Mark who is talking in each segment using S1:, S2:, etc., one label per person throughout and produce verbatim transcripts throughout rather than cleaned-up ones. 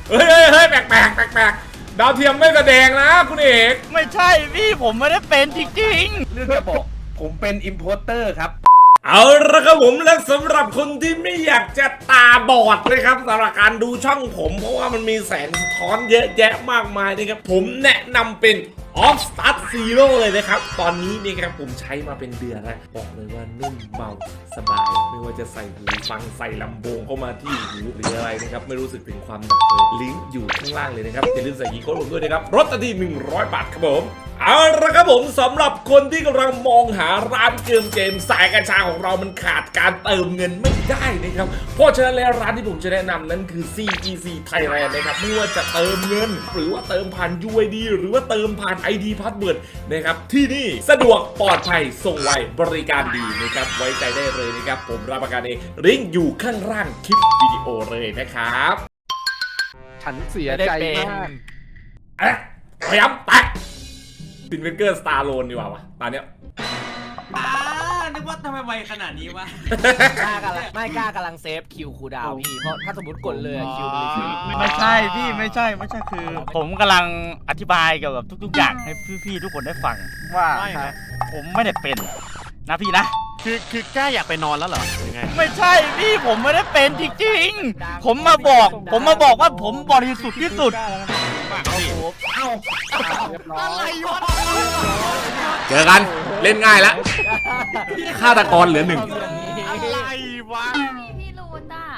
S1: เฮ้ยเฮ้ยแปลกแปลกแปลกแปลกดาวเทียมไม่แสดงนะคุณเอก
S2: ไม่ใช่พี่ผมไม่ได้เป็นจริง
S3: ๆเรื่องจะบอกผมเป็นอิมโพสเตอร์ครับ
S1: เอาละครับผมและสำหรับคนที่ไม่อยากจะตาบอดนะครับสำหรับการดูช่องผมเพราะว่ามันมีแสงสะท้อนเยอะแยะมากมายนะครับผมแนะนำเป็น Off Start Zero เลยนะครับตอนนี้นี่ครับผมใช้มาเป็นเดือนแล้วบอกเลยว่านุ่มเบาสบายไม่ว่าจะใส่หูฟังใส่ลำโพงเข้ามาที่หูหรืออะไรนะครับไม่รู้สึกถึงความหนักเลยลิงก์อยู่ข้างล่างเลยนะครับอย่าลืมใส่กีโค้ดผมด้วยนะครับลดทันทีหนึ่งร้อยบาทครับผมเอาละครับผมสำหรับคนที่กำลังมองหาร้านเกมเกมสายกัญชาของเรามันขาดการเติมเงินไม่ได้นะครับเพราะฉะนั้นแล้วร้านที่ผมจะแนะนำนั้นคือ ซี จี ซี Thailand นะครับไม่ว่าจะเติมเงินหรือว่าเติมผ่าน ยู ไอ ดี หรือว่าเติมผ่าน ไอ ดี Password นะครับที่นี่สะดวกปลอดภัยส่งไวบริการดีนะครับไว้ใจได้เลยนะครับผมรับประกันเองลิงก์อยู่ข้างล่างคลิปวิดีโอเลยนะครับ
S4: ฉันเสียใจมาก
S1: เอ๊ะพยายามแตะซินเวนเกอร์สตาร์โลนดีกว่าวะตอนเนี้ย
S5: อ่านึกว่าทำไมไวขนาดนี้วะ
S6: กล้ากำลังไม่กล้ากำลังเซฟคิวคูดาวพี่เพราะถ้าสมมติกดเลยคิวมัน
S2: ไม่ใช่พี่ไม่ใช่ไม่ใช่คือผมกำลังอธิบายเกี่ยวกับทุกๆอย่างให้พี่ๆทุกคนได้ฟังว่าผมไม่ได้เป็นนะพี่นะ
S4: คือคือกล้าอยากไปนอนแล้วเหรอยังไง
S2: ไม่ใช่พี่ผมไม่ได้เป็นจริงๆผมมาบอกผมมาบอกว่าผมบริสุทธิ์ที่สุด
S4: เอ้าอะไรวะ
S1: เจอกันเล่นง่ายแล้วฆาตกรเหลือหนึ่ง
S4: อะไรวะ
S7: พี่รูนอ่ะ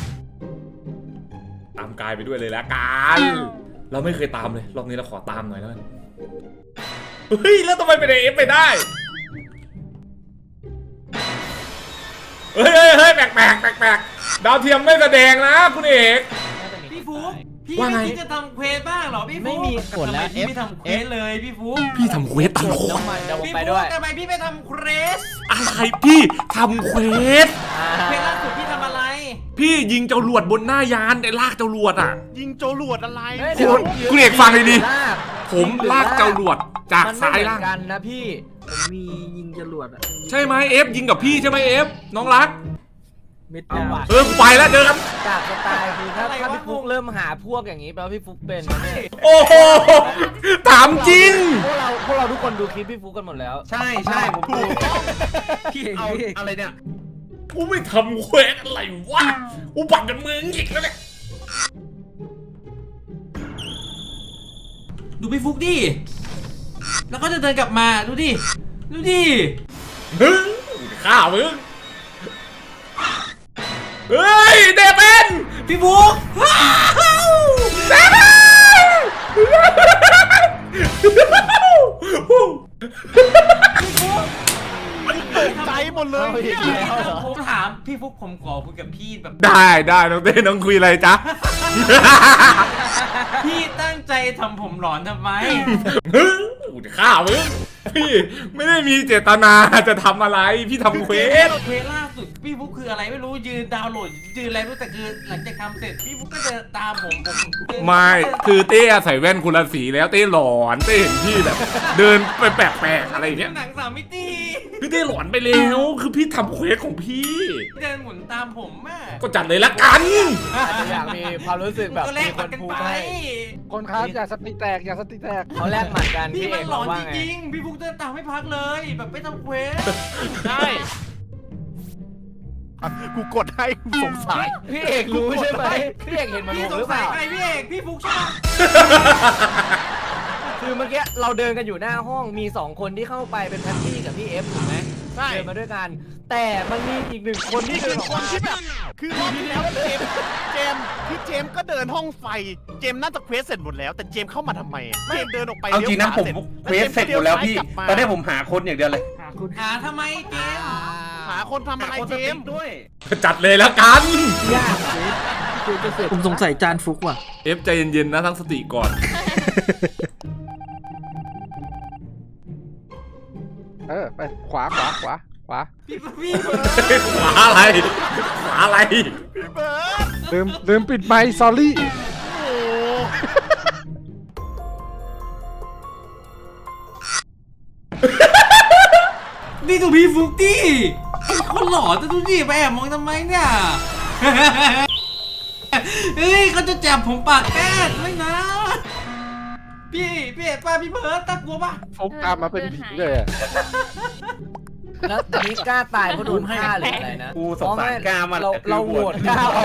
S1: ตามกายไปด้วยเลยละกันเราไม่เคยตามเลยรอบนี้เราขอตามหน่อยแล้วกันเฮ้ยแล้วทำไมเป็นเอฟไปได้เฮ้ยเฮ้ยแปลกแปลกแปลกแปลกดาวเทียมไม่แสดงนะคุณเอก
S5: พี่ฟุ๊กพี่ไม่คิดจะทำเควสบ้างหรอพี่ฟุ๊ก
S6: ไม่มีกดแล้ว
S5: พี่ไม่ทำเควสเลยพี่ฟุ๊ก
S1: พี่ทำเควสตลอด
S5: พี่ฟุ๊กทำไมพี่ไม่ทำเควส
S1: อะไรพี่ทำเควส
S5: เควสล่าสุดพี่ทำอะไร
S1: พี่ยิงเจ้าหลวดบนหน้ายานแต่ลากเจ้าหลวดอ่ะ
S4: ยิงเจ้าหลวดอะไร
S1: คุณคุณเอกฟังเลยดิผมลากเจ้าหลวดจากซ้ายล่าง
S6: กันนะพี่ผมมียิงจรวด
S1: ใช่ไหมเอฟยิงกับพี่ใช่ไหมเอฟน้องรัก
S6: มิดดาว
S1: เออไปแล้วเจอกัน
S6: จากสไตล์คือถ้าถ้าพี่ฟุ๊กเริ่มหาพวกอย่างนี้แปลว่าพี่ฟุ๊กเป็น
S1: โอ้โหถามจริง
S6: พวกเราพวกเราทุกคนดูคลิปพี่ฟุ๊กกันหมดแล้ว
S3: ใช่ใช่ผมดู
S6: พี่
S3: เอาอะไรเนี่ย
S1: กูไม่ทำเควสอะไรวะกูปักกันมือหงิกแล้วเนี่ย
S5: ดูพี่ฟุ๊กดิแล้วก็จะเดินกลับมาดูดิดูดิ
S1: มึงฆ่ามึงเฮ้ยเดวิน
S5: พี่ฟุ๊ก
S1: เดวิน
S4: ตกใจหมดเลย
S5: ผมถามพี่ฟุ๊กผมขอคุยกับพี่แบบ
S1: ได้ได้น้องเต้น้องคุยอะไรจ๊ะ
S5: พี่ตั้งใจทำผมหลอนทำไม
S1: มึงกูจะฆ่ามึงพี่ไม่ได้มีเจตนาจะทำอะไรพี่ทำเควส
S5: เควสล่าสุดพี่ฟุ๊กคืออะไรไม่รู้ยืนดาวน์โหลดยืนอะไรไม่รู้แต่คือหลังจากทำเสร็จพี่ฟุ๊กก็จะตามผมผม
S1: ไม่คือเต้ใส่แว่นคนละสีแล้วเต้หลอนเต้เห็นพี่แบบเดินไปแปลกๆอะไรเงี้ย
S5: หนังสามมิติ
S1: พี่เต้หลอนไปแล้วคือพี่ทำเควสของพี่
S5: เดินหมุนตามผมอ่ะ
S1: ก็จัดเลยละกัน
S6: อยากมีความรู้สึกแบบ
S5: มีคนพูดให้
S4: คนครับอย่าสติแตกอย่าสติแตก
S6: เขาแลกหมัดกัน
S5: พี่มันหลอนจริงๆพี่ฟุ๊กเดินตามไม่พักเลยแบบไม่ทำเควส
S4: ใช่กูกดให้กูสงสัย
S6: พี่เอกรู้ใช่ไหมพี่เอกเห็นมันหรือเปล่า
S5: ใครพี่เอกพี่ฟุ๊กใช่ไหม
S6: คือเมื่อกี้เราเดินกันอยู่หน้าห้องมีสองคนที่เข้าไปเป็นแพตตี้กับพี่เอฟถูกไหม
S4: ใช่
S6: เดินมาด้วยกันแต่มันมีอีกหนึ่งคนที่
S4: คือคนที่แบบคือรอบที่แล้วเจมเจมคือเจมก็เดินห้องไฟเจมน่าจะเควสเสร็จหมดแล้วแต่เจมเข้ามาทำไมเจมเดินออกไป
S3: เอาจริงนะผมเควสเสร็จหมดแล้วพี่ตอนนี้ผมหาคนอย่างเดียวเลย
S5: หาทำไมเจม
S4: หาคนทำอะไรเจม
S3: ด้วย
S1: จัดเลยแล้วกัน
S6: ยากผมสงสัยจานฟุกว่ะ
S1: เอฟใจเย็นๆนะทั้งสติก่อน
S4: เออไปขวาขวาขวาขวา
S5: พี่พี่
S1: ขวาอะไรขวาอะไร
S4: ลืมลืมปิดไมค์ sorry
S5: นี่ดูพี่ฟุ๊กดิคนหล่อจะดูดิไปแอบมองทำไมเนี่ยเฮ้ยเขาจะจับผมปากแก้ไม่นะ พี่พี่เอ็ดป้าพี่เบิร์ดตากลัวป่ะ
S7: ฟุกตามมาเป็นผีเลยอะ
S6: แล้วอันนี้กล้าตายเพราะโดนฆ่าหรืออะไรนะ
S3: กูสงสารกล้ามัน
S6: เราเราโหวตกล้าออก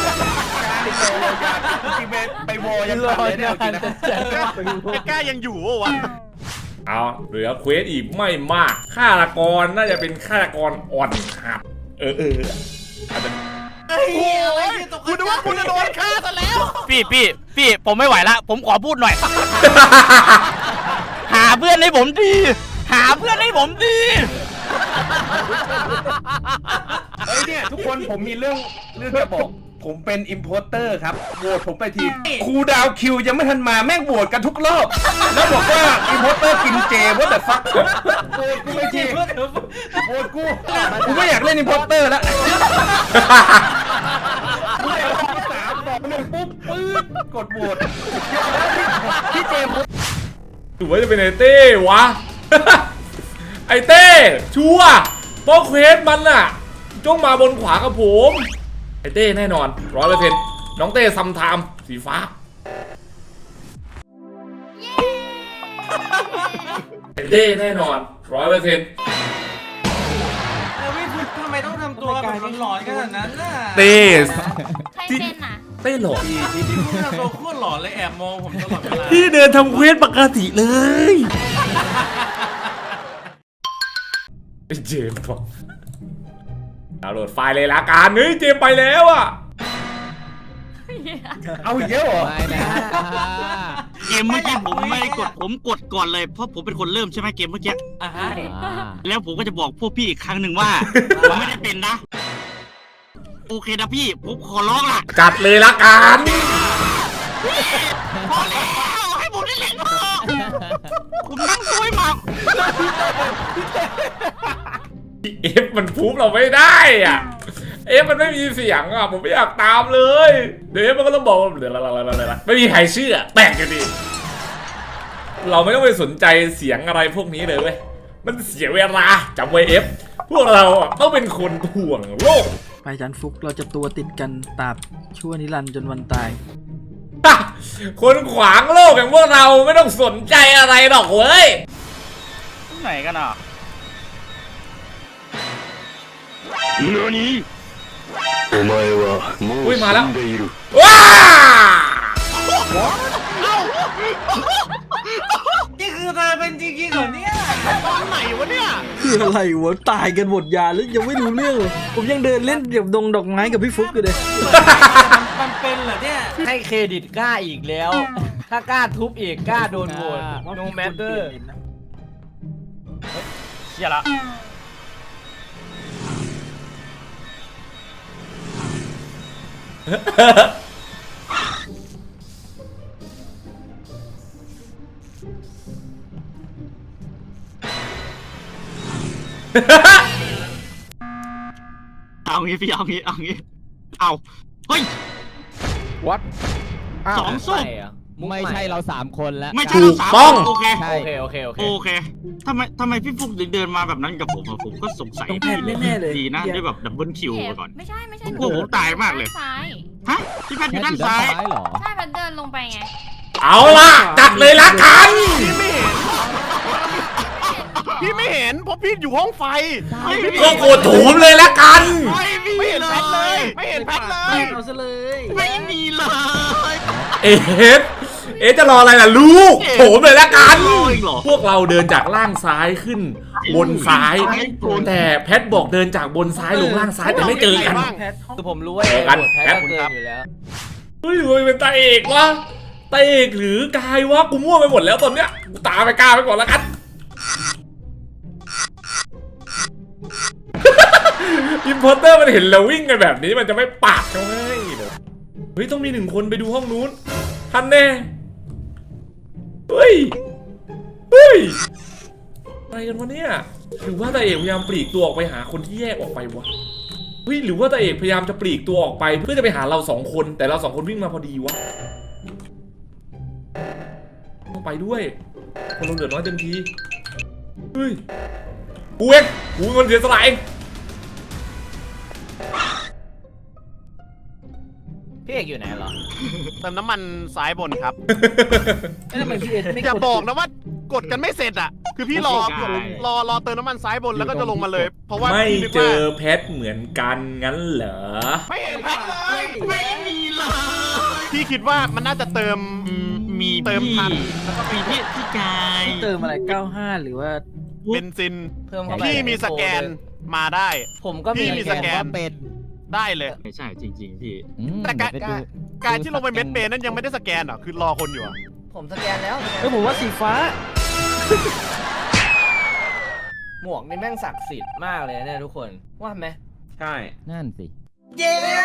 S3: จริงๆไปโวยังทันเลยเนี่ยจริงนะ
S4: ไอ้กล้ายังอยู่วะวะ
S1: เอาเหลือเควสอีกไม่มากฆาตกรน่าจะเป็นฆาตกรอ่อนครับเออเอออาจจะ
S5: เฮ้ยอะไรเนี่ยตก
S4: คุณนึกว่าคุณจะโดนฆ่าซะแล้ว
S2: พี่พี่พี่ผมไม่ไหวละ ผมขอพูดหน่อย หาเพื่อนให้ผมดี หาเพื่อนให้ผมดี
S3: เฮ้ยเนี่ยทุกคนผมมีเรื่องเรื่องจะบอก ผมเป็นอิมโพเตอร์ครับโหวตผมไปทีครูดาวคิวยังไม่ทันมาแม่งโหวตกันทุกรอบ แล้วบอกว่าอิมโพเตอร์กินเจว่าแต่ฟักโหวตกูไปทีโหวตกูกูไม่อยากเล่นอิมโพเตอร์แล้วกูเลยที่สามบอกหนึ่งปุ๊บปื๊ดกดโหวตพี่เจมส์
S1: หรือว่าจะเป็นไอเต้วะ ไอเต้ชัวร์เพราะเควสมันน่ะจ้องมาบนขวากับผมไอเต้แน่นอนร้อยเปอร์เซ็นต์น้องเต้ซัมไทม์สีฟ้าไอเต้แน่นอนร้อยเปอร์เซ็นต์
S5: เออพี่พุทธทำไมต้องทำตัวแบบหลอนๆขนาดนั้นน่ะ
S1: เต้
S8: ใครเป็นอ่ะ
S1: เต้หลอก
S5: พี่พุทธทำตัวโคตรหลอนเลยแอบมองผมตลอดเวลา
S1: พี่เดินทำเควสปกติเลยไอเจมส์บอกดาวน์โหลดไฟล์เลยละกันเฮ้ยเจมส์ไปแล้วอ่ะ
S3: เอาอีกแล้วเหรอ
S2: เกมเมื่อกี้ผมไม่ได้กดผมกดก่อนเลยเพราะผมเป็นคนเริ่มใช่ไหมเกมเมื่อกี้
S5: อ่ะฮะ
S2: แล้วผมก็จะบอกพวกพี่อีกครั้งหนึ่งว่า ผมไม่ได้เป็นนะ โอเคนะพี่ผมขอร้องล่ะ
S1: จัดเลยละกัน
S2: พอแล้วให้ผมได้เล่นเถอะผมนั่งซวยหมาก
S1: เอฟมันพูบเราไม่ได้อ่ะเอฟมันไม่มีเสียงอ่ะผมไม่อยากตามเลยเดี๋ยวเอฟมันก็ต้องบอกเดี๋ยวไม่มีใครเชื่อแปลกอยู่ดีเราไม่ต้องไปสนใจเสียงอะไรพวกนี้เลยเว้ยมันเสียเวลาจำไว้เอฟพวกเราอ่ะต้องเป็นคนถ่วงโลก
S9: ไปจันฟุกเราจะตัวติดกันตราบชั่วนิรันดร์จนวันตาย
S1: คนขวางโลกอย่างพวกเราไม่ต้องสนใจอะไรหรอกเว้ย
S2: ไหนกันอ่ะ
S1: อุ้ยมาแล้วว้า
S5: นี่คือเธอเป็นจริงๆเหรอเนี่ย
S4: ตอนไหนวะเนี่ย
S9: คืออะไรวะตายกันหมดยาแล้วยังไม่รู้เรื่องเลยผมยังเดินเล่นเดี๋ยวดงดอกไม้กับพี่ฟุกอยู่เลย
S5: มันเป็นเหรอเนี่ย
S6: ให้เครดิตกล้าอีกแล้ว ถ้ากล้าทุบอีกกล้าโดนโหวต no matter
S2: เชี่ยละ เอางี้พี่เอางี้เอางี้เอาเฮ้ย
S7: วัด
S2: สองศพ
S6: ใหม่เหรอมุก
S10: ไม่ใช่เราสามคนแล้ว
S2: ไม่ใช่เราสามคนโอเค
S10: ใช่
S6: โอเคโอเคโอเค
S2: โอเคทำไมทำไมพี่ฟุกถึงเดินมาแบบนั้นกับผมอะผมก็สงสัย
S9: ต้องแพทย์แน่ๆเลย
S2: ดีนะด้วยแบบดับเบิลคิวไปก่อน
S8: ไม่ใช่ไม่ใช่
S2: โอ้โหตายมากเลย
S8: ซ้าย
S2: ฮะพี่แพทย์อ
S10: แค่
S2: ยู่
S10: อ
S2: ด้าน
S10: ยู่ด้า
S2: ซ้าน ย
S10: ซ้ายเหรอ
S8: ใช่มันเดินลงไปไง
S1: เอาล่ะจัดเลยละกัน
S4: พี่ไม่เห็นเพราะพี่อยู่ห้องไฟ
S1: ก็โกรธถูมเลยละกัน
S2: ไม่มี
S4: ไม่เห็น
S2: เล
S4: แพทเลย
S2: ย
S4: ไม่เห็นแพทเลย
S9: เอาซะเลย
S2: ไม่มีเลย
S1: เอฟเอฟจะรออะไรล่ะลูกโถมเลยละกัน
S2: รออีกเหรอ
S1: พวกเราเดินจากล่างซ้ายขึ้น บนซ้าย แต่แพทบอกเดินจากบนซ้ายลงล่างซ้ายแต่ไม่เจอกัน
S6: คือผมรู้ว่า
S1: เจอกัน
S6: โหวตแพ้
S1: แป๊บ
S6: ก็เกินอยู่แล้ว
S1: เฮ้ยหรือมันเป็นตาเอกวะตาเอกหรือกายวะกูมั่วไปหมดแล้วตอนเนี้ยกูตามไปกล้าไปก่อนแล้วกัน อิมพอร์เตอร์มันเห็นเราวิ่งกันแบบนี้มันจะไม่ปากเขาให้เดี๋ยวเฮ้ยต้องมีหนึ่งคนไปดูห้องนู้นทันแน่เฮ้ยเฮ้ยอะไรกันวะเนี่ยหรือว่าตาเอกพยายามปลีกตัวออกไปหาคนที่แยกออกไปวะเฮ้ยหรือว่าตาเอกพยายามจะปลีกตัวออกไปเพื่อจะไปหาเราสองคนแต่เราสองคนวิ่งมาพอดีวะต้องไปด้วยคนเราเหลือน้อยเต็มทีเฮ้ยกูเองกูเป็นคนเสียสละเอง
S6: พี่เอกอยู่ไหนเหรอ
S4: เติมน้ำมันซ้ายบนครับ
S9: แล้วทำไมพี่เอ็ดไม่
S4: อย่าก
S9: ด
S4: บอกนะว่ากดกันไม่เสร็จอ่ะ คือพี่รอรอรอเติมน้ำมันซ้ายบนแล้วก็จะลงมาเลย เพราะว่า
S1: ไม่
S4: พี่นึก
S1: เจ
S4: ว่า
S1: อแพทเหมือนกันงั้นเหรอ
S4: ไม่เห็นแพ็คเลยไม่มีเลยพี่คิดว่ามันน่าจะเติม
S2: มี
S4: เติมทัน
S2: แล้วก็มีพี่พี่กาย
S9: เติมอะไรเก้าห้าหรือว่า
S4: เบนซิน
S6: เพิ่มเข้าไป
S4: พี่มีสแกนมาได้
S6: ผมก็
S4: พี่มีสแกน
S6: ว่าเป็น
S4: ได้เลย
S2: ไม่ใช่จริง ๆ พี่
S4: แต่การการการที่ลงไปเม็ดเบนนั้นยังไม่ได้สแกนเหรอคือรอคนอยู่อะ
S6: ผมสแกนแล้ว
S9: เอ้ยผมว่าสีฟ้า
S6: หมวกนี่แม่งศักดิ์สิทธิ์มากเลยเนี่ยทุกคนว่าไหม
S3: ใช่
S2: นั่นสิ
S1: เย้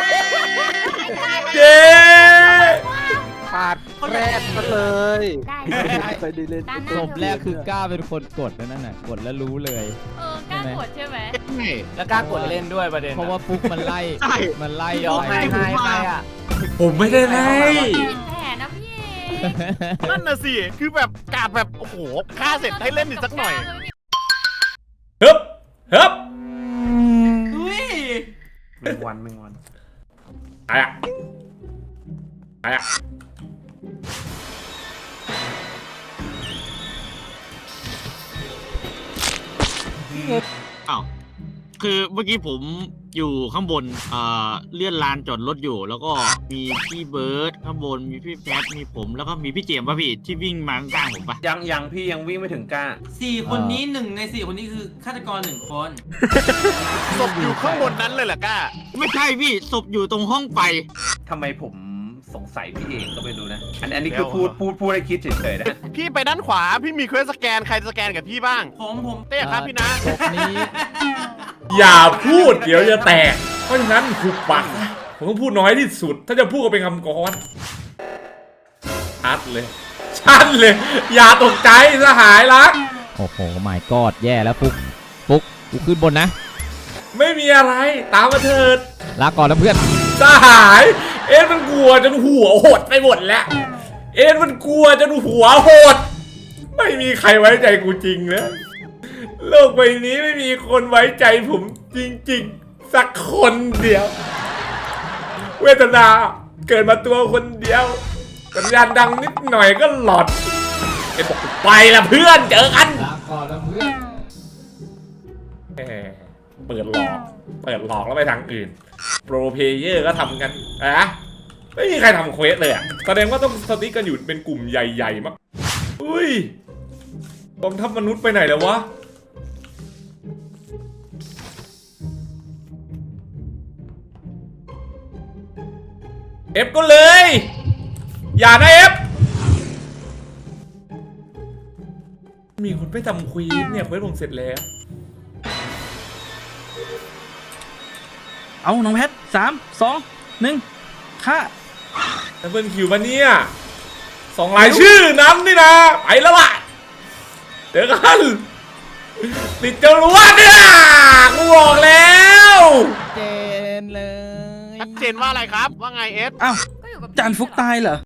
S7: ปาดแรกมาเลย
S8: ได้
S7: ไปดีเล่น
S8: ด้านห
S10: ศ
S8: น้า
S10: พแรกคือกล้าเป็นคนกดนั่นน่ะ กดแล้วรู้เลย
S8: เออกล้ากดใช่ไหม
S6: แล้วกล้ากดเล่นด้วยประเด็น
S10: เพราะว่าฟุกมันไล่ มันไล่
S6: ยอม
S10: ไป
S6: ให้ให้ใครอ่ะ
S1: ผมไม่ได้ไล่
S8: ผิดแผนนะพี่เอก
S4: นั่นน่ะสิคือแบบกาดแบบโอ้โหฆ่าเสร็จให้เล่นอีกสักหน่อย
S1: ฮึบฮึบ
S5: อุ้ย
S3: แมงวันแมงวัน
S1: อะไรอะอะไรอะ
S2: อ้าวคือเมื่อกี้ผมอยู่ข้างบนเอ่อเลื่อนลานจอดรถอยู่ แล้วก็มีพี่เบิร์ดข้างบนมีพี่แพทมีผมแล้วก็มีพี่เจมส์ป่ะพี่ที่วิ่งมาข้างๆผมป่ะ
S3: ยังยังพี่ยังวิ่งไม่ถึงกล้า
S5: สี่คนนี้หนึ่งในสี่คนนี้คือฆาตกรหนึ่งคน
S4: ศพอยู่ข้างบนนั้นเลยเหรอกล้า
S2: ไม่ใช่พี่ศพอยู่ตรงห้องไฟ
S3: ทำไมผมสงสัยพี่เองก็ไม่รู้นะ อันอันนี้คือพูดพูดพูดให้คิดเฉยๆนะ
S4: พี่ไปด้านขวาพี่มีเควสสแกนใครสแกนกับพี่บ้าง
S5: ผมผม
S4: เต้ครับพี่นะ
S10: ศพนี้
S1: อย่าพูดเดี๋ยวจะแตก เพราะฉะนั้นหุบปากซะผมต้องพูดน้อยที่สุด ถ้าจะพูดก็เป็นคำกรชัดเลย ชัดเลย อย่าตกใจสหายรัก
S10: โอ้โหไม่กอดแย่แล้วฟุก ฟุก กูขึ้นบนนะ
S1: ไม่มีอะไรตามมาเถิด
S10: ลาก่อนนะเพื่อน
S1: สหาย เอ็นมันกลัวจนหัวหดไปหมดแล้ว เอ็นมันกลัวจนหัวหด ไม่มีใครไว้ใจกูจริงนะโลกใบนี้ไม่มีคนไว้ใจผมจริงๆ สักคนเดียว เวทนาเกิดมาตัวคนเดียวสัญญาณดังนิดหน่อยก็หลอดเอ็นบอกไปละเพื่อนเจอกัน
S10: ลาก่อนนะเพื่อน
S1: แหมเปิดหลอก เปิดหลอกแล้วไปทางอื่น โปรเพเยอร์ก็ทำกันอะไม่มีใครทำเควสเลยอ่ะแสดงว่าต้องสติ๊กกันอยู่เป็นกลุ่มใหญ่ๆมากอุ้ยกองทัพมนุษย์ไปไหนแล้ววะ เอฟก็เลย อย่านะเอฟ มีคนไปทำควีนเนี่ยเควสผมเสร็จแล้ว
S9: เอาน้องแพทสามสองหนึ่งค่า
S1: ดับเบิลคิวมาเนี่ยสองรายชื่อนั้นนี่นะ ไปแล้วล่ะเดี๋ยวกัน ติดจรวดเนี่ยกูบอกแล้ว
S10: เจนเลย
S4: ชัดเจนว่าอะไรครับ ว่าไงเอส
S9: อ้าว
S8: ก็อยู่กับ
S9: จานฟุกตายเหรอ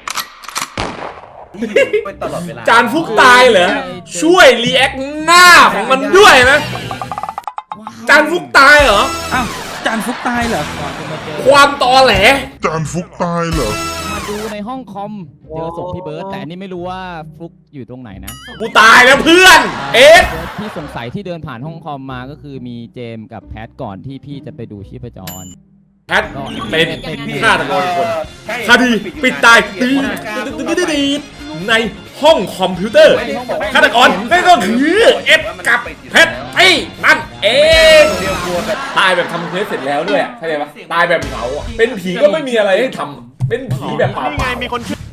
S3: ไปตลอดเวลา
S1: จานฟุกตายเหรอ ช่วยรีแอคหน้าของมันด้วยนะ จานฟุกตายเหรอ
S9: อ้าวจานฟุกตายเหรอ
S10: ก่อนจะมาเจอ
S1: ความตอแหล
S11: จานฟุกตายเหรอ
S10: มาดูในห้องคอม เจอศพพี่เบิร์ดแต่อันนี้ไม่รู้ว่าฟุกอยู่ตรงไหนนะ
S1: กูตายแล้วเพื่อน เอ๊ะ
S10: เบิร์ดที่สงสัยที่เดินผ่านห้องคอมมาก็คือมีเจมส์กับแพทก่อนที่พี่จะไปดูชีพจร
S1: แพทเป็นฆาตกรคน
S3: ใช่
S1: คดีปิดตายตีตีในห้องคอมพิวเตอร์ฆาตกรนั่นก็คือเอฟกับเพชรไอ้นั่นเอง
S3: เดียวกลัวแบบ
S1: ตายแบบทำเควสเสร็จแล้วด้วยเข้าใจปะตายแบบเหงาอ่ะเป็นผีก็ไม่มีอะไรให้ทำเป็นผีแบบเปล่า
S4: นี่ไงมีคนชื่อ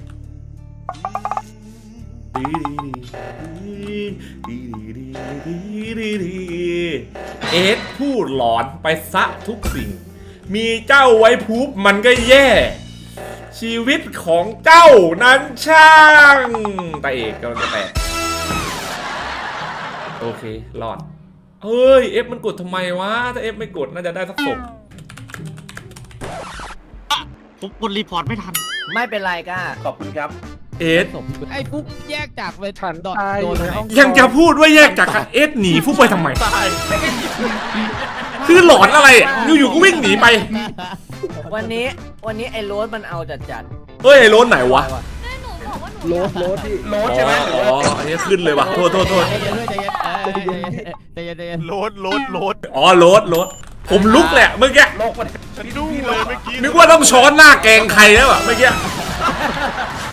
S1: เอสพูดหลอนไปซะทุกสิ่ง มีเจ้าไว้พูบมันก็แย่ ชีวิตของเจ้านั้นช่างตาเอกกำลังจะแตกโอเครอดเฮ้ยเอฟมันกดทำไมวะถ้าเอฟไม่กดน่าจะได้สักศพ
S2: ผมกดรีพอร์ตไม่ทัน
S6: ไม่เป็นไรก้า
S3: ขอบคุณครับ
S1: เอส
S10: ศพพี่เบิร์ดไอ้ฟุกแยกจากไป
S7: ฉัน
S10: ดอท
S7: ตาย
S10: โดน
S7: ใน
S10: ไหน
S7: ห้อง
S1: ยังจะพูดว่าแยกจากกันเอสหนีฟุกไปทำไม
S4: ตาย
S1: คือหลอนอะไรอ่ะอยู่ๆก็วิ่งหนีไป
S6: วันนี้วันนี้ไอ้โรสมันเอาจัดจัด
S1: เฮ้ยไอ้โรนไหนวะ
S8: แม่หนูบอกว่าหนู
S7: โลดโลดที่
S3: โลดใช่ไหมหรือ
S1: อ๋อ
S3: ว่า
S1: อันนี้ขึ้นเลยว่ะโทษโทษโทษ
S10: ใจเย็นด้วยใจเย็นเออใจเย็นใจเย็นใจเย็น
S4: โหลดโหลดโหลด
S1: อ๋อโรดโรดผมลุกแหละเมื่อกี้
S3: โลกมัน
S4: ฉันดูเลยเมื่อกี้
S1: นึกว่าต้องช้อนหน้าแกงใครแล้วอะเมื่อกี้